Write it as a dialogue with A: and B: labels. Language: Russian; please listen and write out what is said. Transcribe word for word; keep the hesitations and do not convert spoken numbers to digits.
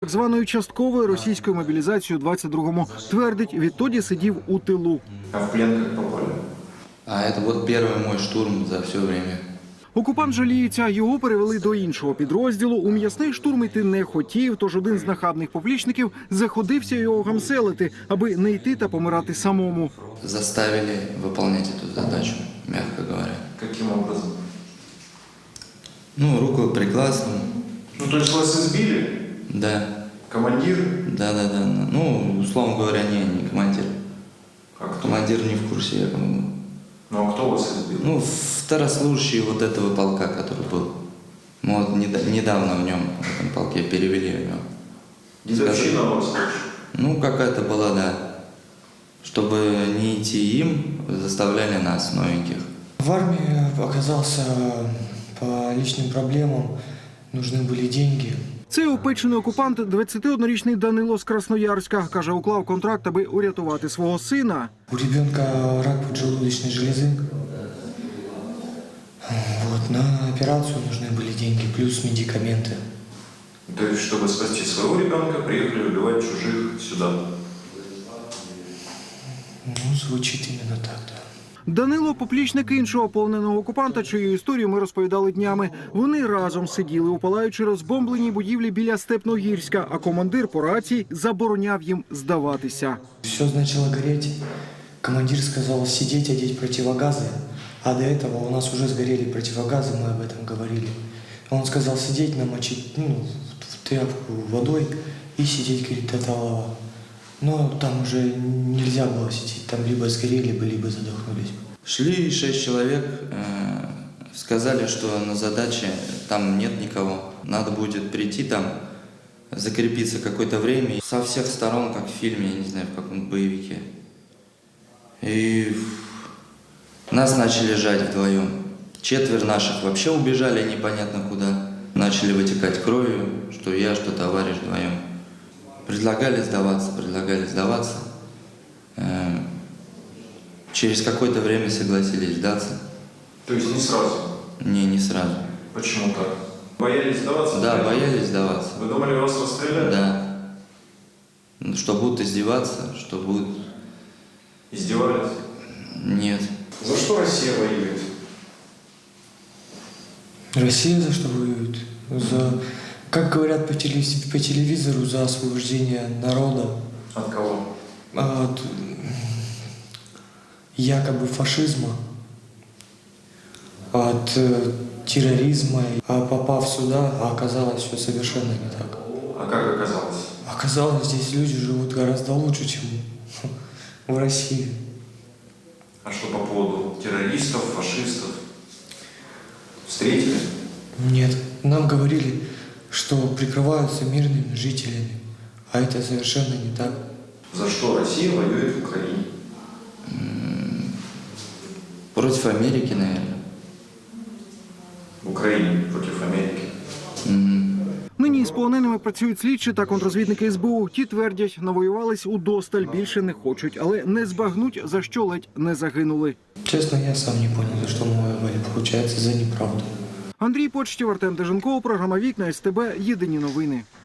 A: Так званою частковою російською мобілізацією у двадцять другому. Твердить, відтоді сидів у тилу.
B: А в плен как попали?
C: А это вот первый мой штурм за все время.
A: Окупант жаліється, його перевели до іншого підрозділу. У м'ясний штурм йти не хотів, тож один з нахабних поплічників заходився його гамселити, аби не йти та помирати самому.
C: Заставили выполнять эту задачу, мягко говоря.
B: Каким образом?
C: Ну, руку пригласом.
B: Ну, то есть вас избили?
C: Да.
B: Командир?
C: Да, да, да. Ну, условно говоря, не, не командир.
B: А кто?
C: Командир не в курсе, я думаю.
B: Ну, а кто вас избил?
C: Ну, второслужащий вот этого полка, который был. Мы вот неда- недавно в нем, в этом полке, перевели его.
B: Дедовщина у вас больше?
C: Ну, какая-то была, да. Чтобы не идти им, заставляли нас, новеньких.
D: В армии оказался по личным проблемам, нужны были деньги.
A: Цей опечений окупант, двадцятиоднорічний Данило з Красноярська, каже, уклав контракт, аби урятувати свого сина.
D: У ребенка рак поджелудочной железы. Вот, на операцию нужны были деньги, плюс медикаменты.
B: То есть, чтобы спасти своего ребенка, приехали убивать чужих сюда?
D: Ну, звучит именно так, да.
A: Данило – поплічник іншого полоненого окупанта, чию історію ми розповідали днями. Вони разом сиділи у палаючи розбомбленій будівлі біля Степногірська, а командир по рації забороняв їм здаватися.
D: Все начало гореть. Командир сказал сидеть, одеть противогазы. А до этого у нас уже сгорели противогазы, мы об этом говорили. Он сказал сидеть, намочить ну, в тряпку водой и сидеть, говорит, до талого. Но там уже нельзя было сидеть, там либо сгорели бы, либо задохнулись.
C: Шли шесть человек, э, сказали, что на задаче там нет никого. Надо будет прийти там, закрепиться какое-то время. Со всех сторон, как в фильме, я не знаю, в каком боевике. И нас начали жать вдвоем. Четверо наших вообще убежали непонятно куда. Начали вытекать кровью, что я, что товарищ вдвоем. Предлагали сдаваться, предлагали сдаваться. Э, Через какое-то время согласились сдаться.
B: То есть, не сразу?
C: Не, не сразу.
B: Почему так? Боялись сдаваться?
C: Да, боялись сдаваться.
B: Вы думали, вас расстреляют?
C: Да. Ну, что будут издеваться, что будут...
B: Издевались?
C: Нет.
B: За что Россия воюет?
D: Россия за что воюет? За, как говорят по, телевиз- по телевизору, за освобождение народа
B: От кого?
D: от якобы фашизма, от э, терроризма. А попав сюда, оказалось все совершенно не так.
B: А как оказалось?
D: Оказалось, здесь люди живут гораздо лучше, чем в России.
B: А что по поводу террористов, фашистов? Встретили?
D: Нет, нам говорили, что прикрываются мирными жителями, а это совершенно не так.
B: За что Россия воюет в Украине?
C: Против Америки, наверное.
B: В Украине против Америки.
C: Мгм.
A: Нині із полоненими працюють слідчі та контрозвідники ес бе у. Ті твердять, навоювались удосталь, більше не хочуть, але не збагнуть, за що ледь не загинули.
D: Честно, я сам не понял, за что мы воевали. Получается, за неправду.
A: Андрій Почтів, Артем Деженков, програма «Вікна», ес те бе, єдині новини.